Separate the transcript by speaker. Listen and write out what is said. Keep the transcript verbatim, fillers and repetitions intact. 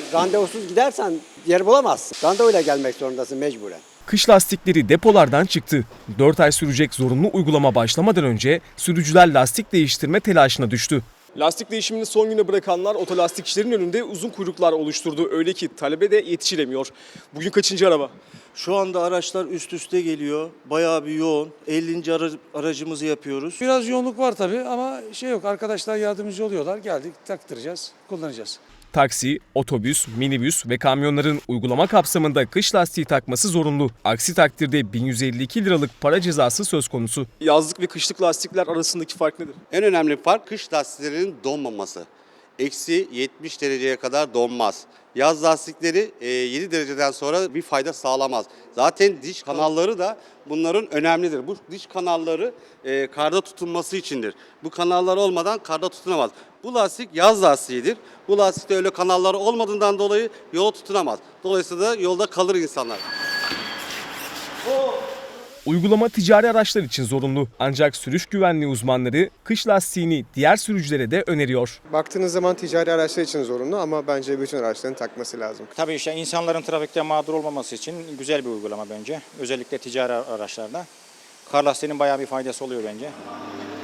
Speaker 1: Randevusuz gidersen yer bulamazsın. Randevuyla gelmek zorundasın mecburen.
Speaker 2: Kış lastikleri depolardan çıktı. dört ay sürecek zorunlu uygulama başlamadan önce sürücüler lastik değiştirme telaşına düştü.
Speaker 3: Lastik değişimini son güne bırakanlar otolastikçilerin önünde uzun kuyruklar oluşturdu. Öyle ki talebe de yetişilemiyor. Bugün kaçıncı araba?
Speaker 4: Şu anda araçlar üst üste geliyor. Bayağı bir yoğun. ellinci ara- aracımızı yapıyoruz.
Speaker 5: Biraz yoğunluk var tabii ama şey yok, arkadaşlar yardımcı oluyorlar. Geldik, taktıracağız, kullanacağız.
Speaker 2: Taksi, otobüs, minibüs ve kamyonların uygulama kapsamında kış lastiği takması zorunlu. Aksi takdirde bin yüz elli iki liralık para cezası söz konusu.
Speaker 3: Yazlık ve kışlık lastikler arasındaki fark nedir?
Speaker 6: En önemli fark kış lastiklerinin donmaması. Eksi yetmiş dereceye kadar donmaz. Yaz lastikleri e, yedi dereceden sonra bir fayda sağlamaz. Zaten diş kanalları da bunların önemlidir. Bu diş kanalları e, karda tutunması içindir. Bu kanallar olmadan karda tutunamaz. Bu lastik yaz lastiğidir. Bu lastikte öyle kanalları olmadığından dolayı yola tutunamaz. Dolayısıyla da yolda kalır insanlar.
Speaker 2: Uygulama ticari araçlar için zorunlu. Ancak sürüş güvenliği uzmanları kış lastiğini diğer sürücülere de öneriyor.
Speaker 7: Baktığınız zaman ticari araçlar için zorunlu ama bence bütün araçların takması lazım.
Speaker 8: Tabii işte insanların trafikte mağdur olmaması için güzel bir uygulama bence. Özellikle ticari araçlarda. Kar lastiğinin bayağı bir faydası oluyor bence.